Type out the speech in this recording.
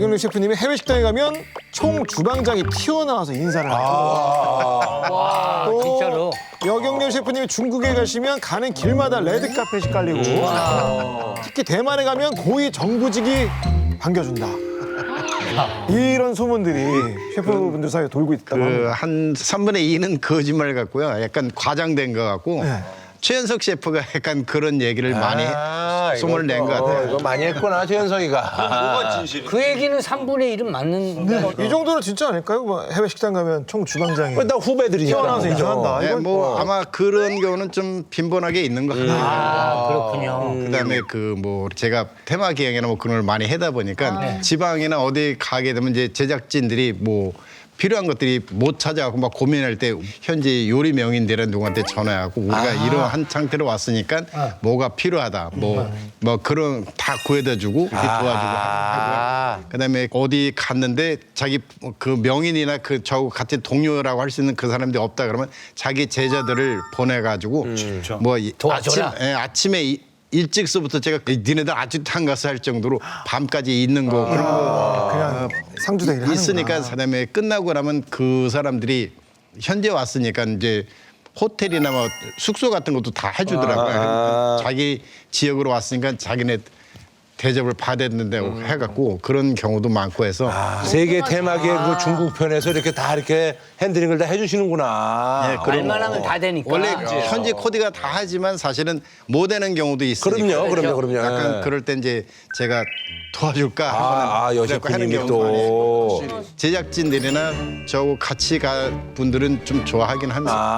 여경룡 셰프님이 해외 식당에 가면 총 주방장이 튀어나와서 인사를 합니다. 와, 또 진짜로. 여경룡 셰프님이 중국에 가시면 가는 길마다 레드 카펫이 깔리고 특히 대만에 가면 고위 정부직이 반겨준다. 이런 소문들이 셰프분들 사이에 돌고 있다고 합니다. 한 3분의 2는 거짓말 같고요. 약간 과장된 것 같고 네. 최현석 셰프가 약간 그런 얘기를 많이 소문을 낸 것 같아요. 이거 많이 했구나, 최현석이가. 그 얘기는 3분의 1은 맞는. 이 정도는 진짜 아닐까요? 뭐 해외 식당 가면 총 주방장이 일단 후배들이니까. 튀어나와서 인사한다. 네, 이건 뭐 아마 그런 경우는 좀 빈번하게 있는 것 같아요. 아, 그렇군요. 그다음에 그 뭐 제가 테마 기획이나 뭐 그런 걸 많이 하다 보니까 지방이나 어디 가게 되면 이제 제작진들이 뭐 필요한 것들이 못 찾아갖고 막 고민할 때 현지 요리 명인들은 누구한테 전화하고 우리가 이러한 상태로 왔으니까 뭐가 필요하다 뭐 그런 다 구해다 주고 이렇게 도와주고 하고요. 그다음에 어디 갔는데 자기 그 명인이나 그 저하고 같은 동료라고 할 수 있는 그 사람들이 없다 그러면 자기 제자들을 보내가지고 뭐 도와줘라. 아침에 일찍서부터 제가 니네들 아직도 안 가서 할 정도로 밤까지 있는 거 그런 거 그냥 상주대 일을 있으니까 하는구나. 그다음에 끝나고 나면 그 사람들이 현재 왔으니까 이제 호텔이나 뭐 숙소 같은 것도 다 해주더라고요. 자기 지역으로 왔으니까 자기네 대접을 받아야 된다고 해갖고 그런 경우도 많고 해서 세계 테마계 그 중국 편에서 이렇게 다 이렇게 핸들링을 다 해주시는구나. 네, 그런 말만 하면 다 되니까. 원래 현지 코디가 다 하지만 사실은 못 되는 경우도 있으니까 그럼요. 약간 그럴 때 이제 제가 도와줄까 여셰프님이 하는 또. 제작진들이나 저하고 같이 가 분들은 좀 좋아하긴 합니다.